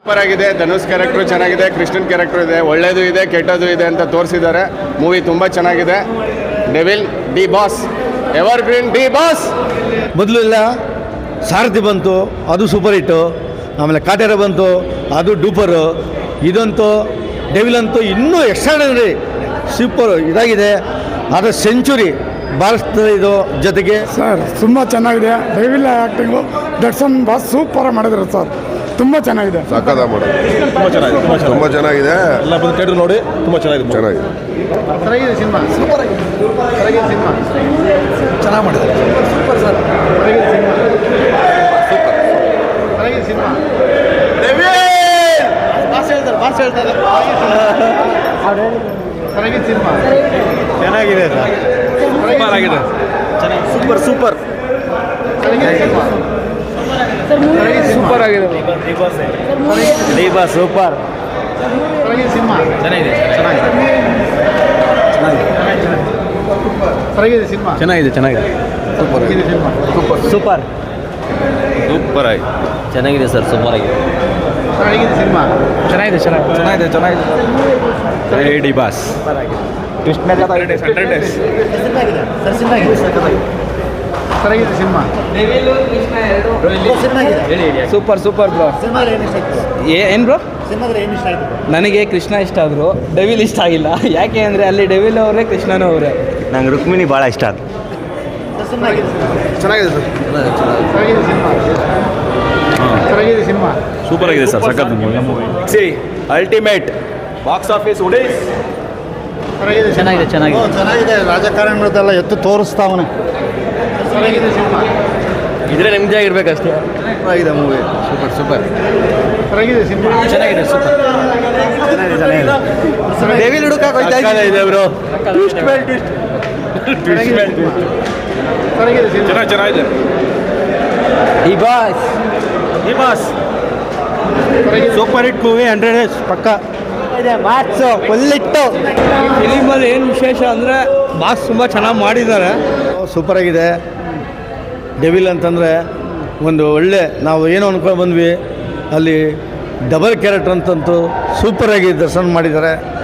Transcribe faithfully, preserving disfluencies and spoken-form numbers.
Super ಆಗಿದೆ. Dhanush character ಚೆನ್ನಾಗಿದೆ, Krishnan character ಇದೆ, ಒಳ್ಳೇದು ಇದೆ ಕೆಟ್ಟದ್ದು ಇದೆ ಅಂತ ತೋರಿಸಿದ್ದಾರೆ. ಮೂವಿ ತುಂಬ ಚೆನ್ನಾಗಿದೆ. Devil D boss, evergreen D boss. ಮೊದಲು ಇಲ್ಲ ಸಾರಥಿ ಬಂತು, ಅದು ಸೂಪರ್ ಹಿಟ್ಟು. ಆಮೇಲೆ ಕಾಟೇರ ಬಂತು, ಅದು ಡೂಪರು. ಇದಂತೂ ಡೆವಿಲ್ ಅಂತೂ ಇನ್ನೂ ಎಕ್ಸ್ಟ್ರಾಡನರಿ ಸೂಪರ್ ಇದಾಗಿದೆ. ಅದು ಸೆಂಚುರಿ ಭಾರತದ ಇದು ಜೊತೆಗೆ ಸರ್ ತುಂಬ ಚೆನ್ನಾಗಿದೆ. Devil acting Darshan boss super ಮಾಡಿದ್ರು ಸರ್, ತುಂಬ ಚೆನ್ನಾಗಿದೆ. ಸಕ್ಕದ ಮಾಡೋದು ತುಂಬ ಚೆನ್ನಾಗಿದೆ, ತುಂಬ ಚೆನ್ನಾಗಿದೆ. ಎಲ್ಲ ಬಂದು ಥಿಯೇಟರ್ ನೋಡಿ ತುಂಬ ಚೆನ್ನಾಗಿದೆ ಚೆನ್ನಾಗಿದೆ ಚೆನ್ನಾಗಿದೆ ಸಿನಿಮಾ. ಸೂಪರ್ ಆಗಿದೆ, ಚೆನ್ನಾಗಿದೆ ಸಿನಿಮಾ, ಚೆನ್ನಾಗಿ ಮಾಡಿದ್ದಾರೆ. ಸೂಪರ್ ಸರ್, ಚೆನ್ನಾಗಿದೆ ಸಿನಿಮಾ, ಸೂಪರ್ ಚೆನ್ನಾಗಿದೆ ಸಿನಿಮಾ. ಬಾಸ್ ಹೇಳ್ತಾರೆ ಬಾಸ್ ಹೇಳ್ತಾರೆ ಚೆನ್ನಾಗಿದೆ ಸಿನಿಮಾ, ಚೆನ್ನಾಗಿದೆ ಸರ್, ಸೂಪರ್ ಆಗಿದೆ, ಸೂಪರ್ ಸೂಪರ್ ಸೂಪರ್ ಆಗಿದೆ ದೀಪ ಸೂಪರ್ ಚೆನ್ನಾಗಿದೆ ಸಿನಿಮಾ, ಚೆನ್ನಾಗಿದೆ ಚೆನ್ನಾಗಿದೆ ಸಿನಿಮಾ, ಚೆನ್ನಾಗಿದೆ ಚೆನ್ನಾಗಿದೆ ಸೂಪರ್ ಆಗಿದೆ ಸಿನಿಮಾ, ಸೂಪರ್ ಸೂಪರ್ ಸೂಪರ್ ಆಗಿ ಚೆನ್ನಾಗಿದೆ ಸರ್, ಸೂಪರ್ ಆಗಿದೆ. ಚೆನ್ನಾಗಿದೆ ಸಿನಿಮಾ, ಚೆನ್ನಾಗಿದೆ ಚೆನ್ನಾಗಿದೆ ಚೆನ್ನಾಗಿದೆ ಚೆನ್ನಾಗಿದೆ ಡಿ ಬಾಸ್ ಚೆನ್ನಾಗಿದೆ ಸಿನಿಮಾ. Super super bro. ಏನು ಬ್ರೋ, ನನಗೆ ಕೃಷ್ಣ ಇಷ್ಟ ಆದರು, ಡೆವಿಲ್ ಇಷ್ಟ ಆಗಿಲ್ಲ. ಯಾಕೆ ಅಂದರೆ ಅಲ್ಲಿ ಡೆವಿಲ್ ಅವರೇ ಕೃಷ್ಣನೂ ಅವರೇ. ನಂಗೆ ರುಕ್ಮಿಣಿ ಭಾಳ ಇಷ್ಟ ಆಯ್ತು. ಚೆನ್ನಾಗಿದೆ ಸರ್, ಚೆನ್ನಾಗಿದೆ ಸಿನಿಮಾ, ಚೆನ್ನಾಗಿದೆ ಸಿನಿಮಾ, ಸೂಪರ್ ಆಗಿದೆ ಸರ್, ಸಖತ್ ಸಿ ಅಲ್ಟಿಮೇಟ್ ಬಾಕ್ಸ್ ಆಫೀಸ್ ಉಡೇಸ್. ಚೆನ್ನಾಗಿದೆ ಚೆನ್ನಾಗಿದೆ ಚೆನ್ನಾಗಿದೆ. ರಾಜಕಾರಣಿಗಳದೆಲ್ಲ ಎತ್ತು ತೋರಿಸ್ತಾವನೆ. ಚೆನ್ನಾಗಿದೆ ಸಿನಿಮಾ, ಇದ್ರೆ ನೆಮ್ಮದಿ ಆಗಿರ್ಬೇಕಷ್ಟೇ. ಆಗಿದೆ ಮೂವಿ. ಸೂಪರ್ ಸೂಪರ್ ಚೆನ್ನಾಗಿದೆ ಸಿನಿಮಾ, ಚೆನ್ನಾಗಿದೆ ಸೂಪರ್ ಡೆವಿಲ್ ಹುಡುಕಾಕ ಇದೆ ಬ್ರೋ. ಚೆನ್ನಾಗಿದೆ ಸಿನಿಮಾ, ಚೆನ್ನಾಗಿ ಚೆನ್ನಾಗಿದೆ ಈ boss D boss super hit movie, hundred days ಪಕ್ಕ. ಮಾರ್ಕ್ಸು ಫುಲ್ಲಿಟ್ಟು. ಫಿಲಿಮಲ್ಲಿ ಏನು ವಿಶೇಷ ಅಂದರೆ ಬಾಸ್ ತುಂಬ ಚೆನ್ನಾಗಿ ಮಾಡಿದ್ದಾರೆ. ಸೂಪರ್ ಆಗಿದೆ. ಡೆವಿಲ್ ಅಂತಂದರೆ ಒಂದು ಒಳ್ಳೆ, ನಾವು ಏನು ಅನ್ಕೊಂಡು ಬಂದ್ವಿ, ಅಲ್ಲಿ ಡಬಲ್ ಕ್ಯಾರೆಕ್ಟರ್ ಅಂತಂತೂ ಸೂಪರಾಗಿ ದರ್ಶನ ಮಾಡಿದ್ದಾರೆ.